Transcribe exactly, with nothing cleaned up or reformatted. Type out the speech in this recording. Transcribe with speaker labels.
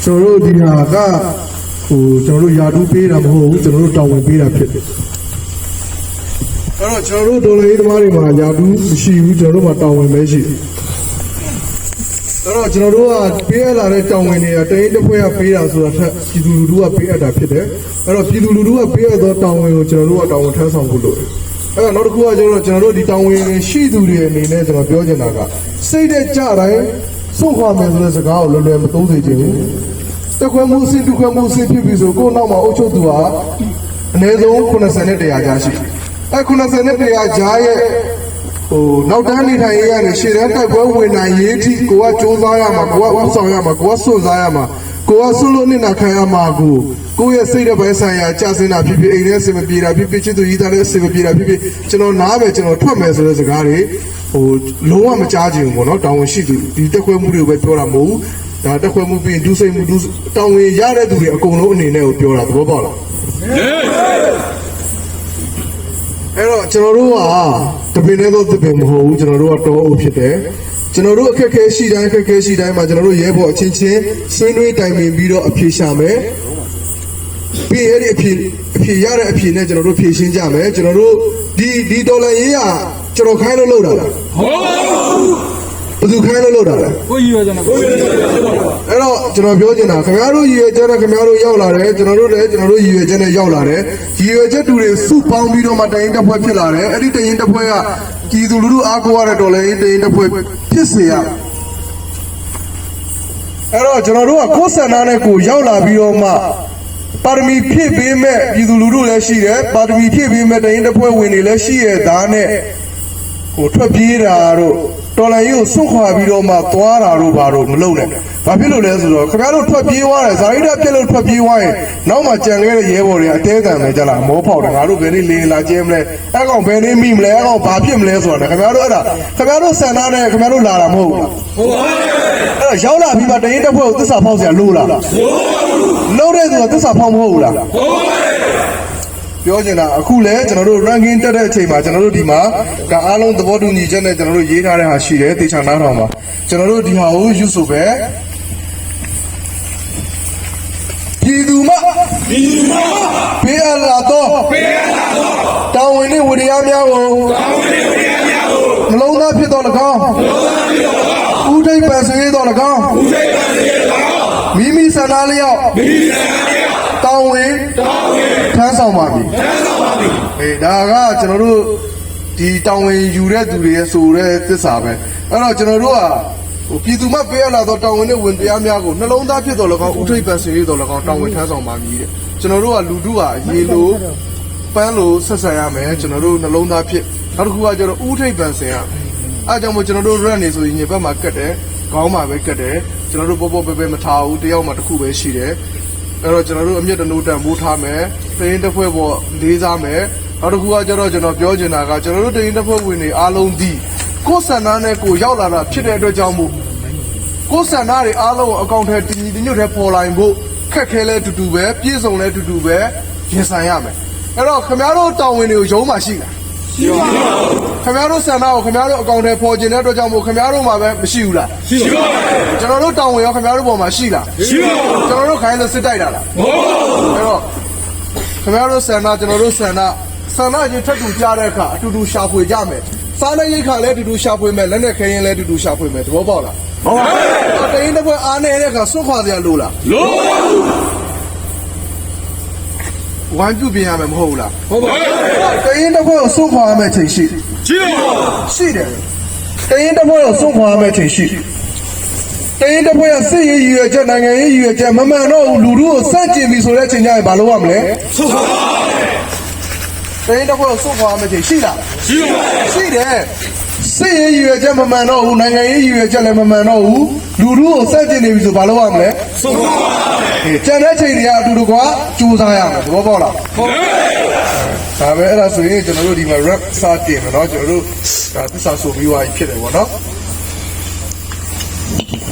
Speaker 1: ကျွန်တော်တို့ဒီဟာကဟိုကျွန်တော်တို့ယာတူးပေးတာမဟုတ်ဘူးကျွန်တော်တို့တောင်းဝင်ပေးတာဖြစ်တယ်အဲ့တော့ကျွန်တော်တို့ဒေါ်လာရေးသမားတွေမှာယာတူးမရှိဘူးကျွန်တော်တို့မှာတောင်းဝင်ပဲရှိတယ်အဲ့တော့ကျွန်တော်တို့ကပေးရလာတဲ့တောင်းဝင်တွေကတရင်တစ်ဖွဲကပေးတာဆိုတာထက်ပြည်သူလူထုကပေးအပ်တာဖြစ်တယ်အဲ့တော့ပြည်သူလူထုကပေးအပ်သောတောင်းဝင်ကိုကျွန်တော်တို့ကတောင်းဝင်ထမ်းဆောင်ဖို့လိုတယ်အဲ့တော့နောက်တစ်ခုကကျွန်တော်တို့ကျွန်တော်တို့ဒီတောင်းဝင်ရှိသူတွေအနေနဲ့ကျွန်တော်ပြောချင်တာကစိတ်တဲ့ကြတိုင်းစွန့်ခွာမယ်ဆိုတဲ့စကားကိုလွယ်လွယ်မသုံးစေချင်ဘူးတခွဲမှုစိတ်ဒုက္ခမှုစိတ်ဖြစ်ပြီဆိုကိုယ့်နောက်မှာအုပ်ချုပ်သူဟာအနည်းဆုံးခုနှစ်ဆယ်နဲ့တရာကြားရှိအဲခုနှစ်ဆယ်နဲ့တရာကြားရဲ့ဟိုနောက်တန်းနေထိုင်ရတဲ့ရှေ့တန်းတိုက်ပွဲဝင်နိုင်ရေးထိကိုကကြိုးစားရမှာကိုကဥဆောင်ရမှာကိုကစွန့်စားရမှာကိုကဆွလို့နေတာခံရမှာကိုကိုယ့်ရဲ့စိတ်တဲ့ဘက်ဆိုင်ရာကြာစင်တာဖြစ်ဖြစ်အိမ်ထဲအဆင်မပြေတာဖြစ်ဖြစ်ချစ်သူကြီးသားလည်းအဆင်မပြေတာဖြစ်ဖြစ်ကျွန်တော်နားပဲကျွန်တော်ထွက်မယ်ဆိုတဲ့စကားတွေဟိုလုံးဝမကြားချင်ဘူးပေါ့နော်တောင်းဝင်ရှိသူဒီတက်ခွဲမှုတွေကိုပဲပြောတာမဟုတ်ဘူးဒါတက်ခွဲမှုပြီးဒုစိတ်မှုဒုတောင်းဝင်ရတဲ့သူတွေအကုန်လုံးအနေနဲ့ကိုပြောတာသဘောပေါက်လားအဲ့တော့ကျွန်တော်တို့ကတပင်နဲ့တော့တပင်မဟုတ်ဘူးကျွန်တော်တို့ကတောအုပ်ဖြစ်တယ်ကျွန်တော်တို့အခက်အခဲရှိတိုင်းအခက်အခဲရှိတိုင်းမှာကျွန်တော်တို့ရဲဘော်အချင်းချင်းဆွေးနွေးတိုင်ပင်ပြီးတော့အဖြေရှာမယ်ပြီးအဲ့ဒီအဖြေအဖြေရတဲ့အဖြေနဲ့ကျွန်တော်တို့ဖြေရှင်းကြမယ်ကျွန်တော်တို့ဒီဒီဒေါ်လာရေးကကျွန်တော်ခိုင်းလို့လုပ်တာလားဟုတ်ဘူးဘယ်သူခိုင်းလို့လုပ်တာလဲကိုကြီးရွယ်ကြတယ်ကိုကြီးရွယ်ကြတယ်အဲ့တော့ကျွန်တော်ပြောချင်တာခင်ဗျားတို့ရည်ရွယ်ချက်နဲ့ခင်ဗျားတို့ရောက်လာတယ်ကျွန်တော်တို့လည်းကျွန်တော်တို့ရည်ရွယ်ချက်နဲ့ရောက်လာတယ်ရည်ရွယ်ချက်တူတွေစုပေါင်းပြီးတော့မှတရင်တစ်ဖွဲ့ဖြစ်လာတယ်အဲ့ဒီတရင်တစ်ဖွဲ့ကပြည်သူလူထုအားကိုးရတဲ့ဒေါ်လာရေးတရင်တစ်ဖွဲ့ဖြစ်စေရအဲ့တော့ကျွန်တော်တို့ကကိုယ်ဆန္ဒနဲ့ကိုရောက်လာပြီးတော့မှပါရမီဖြည့်ပေးမဲ့ပြည်သူလူထုလည်းရှိတယ်ပါရမီဖြည့်ပေးမဲ့တရင်တစ်ဖွဲ့ဝင်တွေလည်းရှိရသားနဲ့ကိုထွက်ပြေးတာတို့တော်လိုင်းကြီးကိုစွန့်ခွာပြီးတော့မှသွားတာတို့ဘာတို့မလုပ်နဲ့ဘာဖြစ်လို့လဲဆိုတော့ခင်ဗျားတို့ထွက်ပြေးသွားတယ်ဇာတိတပြက်လို့ထွက်ပြေးသွားရင်နောက်မှကြံခဲ့တဲ့ရဲဘော်တွေအတဲခံမယ်ကြလားမောဖောက်တယ်ငါတို့ဘယ်နည်းလေးလာကျဲမလဲအဲ့ကောင်ဘယ်နည်းမိမလဲအဲ့ကောင်ဘာဖြစ်မလဲဆိုတာခင်ဗျားတို့အဲ့ဒါခင်ဗျားတို့ဆန္ဒနဲ့ခင်ဗျားတို့လာတာမဟုတ်ဘူးဟုတ်ပါဘူးအဲ့တော့ရောက်လာပြီးမှတရင်တစ်ဖွဲ့ကိုသစ္စာဖောက်เสียလို့လားလို့တဲ့သူကသစ္စာဖောက်မဟုတ်ဘူးလားဟုတ်ပါဘူးပြောချင်တာအခုလဲကျွန်တော်တို့ ranking တက်တဲ့အချိန်မှာကျွန်တော်တို့ဒီမှာကအားလုံးသဘောတူညီချက်နဲ့ကျွန်တော်တို့ရေးထားတဲ့ဟာရှိတယ်တေချာနားထောင်ပါကျွန်တော်တို့ဒီဟာကိုယူဆိုပဲပြည်သူမပြည်သူမပေးအပ်လာတော့ပေးအပ်လာတော့တောင်းဝင်တဲ့ဝိရိယများကိုတောင်းဝင်တဲ့ဝိရိယများကိုနှလုံးသားဖြစ်တော်၎င်းနှလုံးသားဖြစ်တော်၎င်းဥဒိတ်ပန်စေတော်၎င်းဥဒိတ်ပန်စေတော်၎င်းမိမိဆန္ဒလျောက်မိမိဆန္ဒလျောက်တောင်းဝင်တောင်းဝင်ထမ်းဆောင်ပါပြီထမ်းဆောင်ပါပြီအေးဒါကကျွန်တော်တို့ဒီတောင်းဝင်ယူတဲ့သူတွေရဲ့ဆိုတဲ့သစ္စာပဲအဲ့တော့ကျွန်တော်တို့ကဟိုပြည်သူမပေးရလာတော့တောင်းဝင်တဲ့ဝင်တရားများကိုနှလုံးသားဖြစ်တော်၎င်းဥထိပ်ပန်စေရတော်၎င်းတောင်းဝင်ထမ်းဆောင်ပါမည်တဲ့ကျွန်တော်တို့ကလူထုကရေလိုပန်းလိုဆက်ဆံရမယ်ကျွန်တော်တို့နှလုံးသားဖြစ်နောက်တစ်ခုကကျတော့ဥထိပ်ပန်စေရအဲကြောင့်မို့ကျွန်တော်တို့ run နေဆိုရင်ညဘက်မှာကတ်တယ်ခေါင်းမှာပဲကတ်တယ်ကျွန်တော်တို့ပေါ့ပေါ့ပဲပဲမထားဘူးတယောက်မှတစ်ခုပဲရှိတယ်အဲ့တော့ကျွန်တော်တို့အမြင့်တနိုးတန်မိုးထားမယ်တရင်တစ်ဖွဲ့ပေါ်လေးစားမယ်နောက်တစ်ခုကကျတော့ကျွန်တော်ပြောချင်တာကကျွန်တော်တို့တရင်တစ်ဖွဲ့ဝင်တွေအားလုံးဒီကိုယ်ဆန္ဒနဲ့ကိုရောက်လာတာဖြစ်တဲ့အတွက်ကြောင့်မို့ကိုယ်ဆန္ဒတွေအားလုံးအကောင့်ထဲတည်တည်ညွတ်ထဲပေါ်လာရင်ဖို့ခက်ခဲလဲတူတူပဲပြည့်စုံလဲတူတူပဲရင်ဆိုင်ရမယ်အဲ့တော့ခင်ဗျားတို့တောင်းဝင်တွေကိုရုံးမှရှိလားရှိပါဘူးခင်ဗျားတို့ဆန္ဒကိုခင်ဗျားတို့အကောင့်ထဲပေါ်ကျင်တဲ့အတွက်ကြောင့်မို့ခင်ဗျားတို့မှာပဲမရှိဘူးလားရှိပါဘူးကျွန်တော်တို့တောင်းဝင်ရောခင်ဗျားတို့ပေါ်မှာရှိလားရှိပါဘူးကျွန်တော်တို့ခိုင်းလို့စစ်တိုက်တာလားမဟုတ်ပါဘူးအဲ့တော့ခင်ဗျားတို့ဆန္ဒကျွန်တော်တို့ဆန္ဒဆန္ဒကြီးထပ်တူကြားတဲ့အခါအတူတူရှာဖွေကြမယ်စားတဲ့ရိတ်ခါလည်းအတူတူရှာဖွေမယ်လက်နဲ့ခဲရင်လည်းအတူတူရှာဖွေမယ်သဘောပေါက်လားဟုတ်ပါဘူးတရင်တစ်ဖွဲ့အားနေတဲ့အခါစွန့်ခွာစရာလိုလားလိုပါဘူးဝိုင်းပြုပြင်ရမယ်မဟုတ်ဘူးလားဟုတ်ပါဘူးတရင်တစ်ဖွဲ့ကိုစွန့်ခွာရမယ်ချိန်ရှိရှိပါဘူးရှိတယ်တရင်တစ်ဖွဲ့ကိုစွန့်ခွာရမယ်ချိန်ရှိတရင်တစ်ဖွဲ့ကစစ်ရေးရည်ရွယ်ချက်နိုင်ငံရေးရည်ရွယ်ချက်မမှန်တော့ဘူးလူထုကိုစန့်ကျင်ပြီဆိုတဲ့ချိန်ကျရင်ဘာလုပ်ရမလဲစွန့်ခွာတရင်တစ်ဖွဲ့ကိုစွန့်ခွာရမယ်ချိန်ရှိလားရှိပါဘူးရှိတယ်စစ်ရေးရည်ရွယ်ချက်မမှန်တော့ဘူးနိုင်ငံရေးရည်ရွယ်ချက်လည်းမမှန်တော့ဘူးလူထုကိုစန့်ကျင်နေပြီဆိုဘာလုပ်ရမလဲစွန့်ခွာပါမယ်ကျန်တဲ့ချိန်တွေကအတူတူကကြိုးစားရမယ်သဘောပေါက်လားဟုတ်ပါဘူးဒါပဲအဲ့ဒါဆိုရင်ကျွန်တော်တို့ဒီမှာ rap စတင်မယ်เนาะကျွန်တော်တို့ဒါသစ္စာဆိုပြီးွားဖြစ်တယ်ပေါ့เนาะ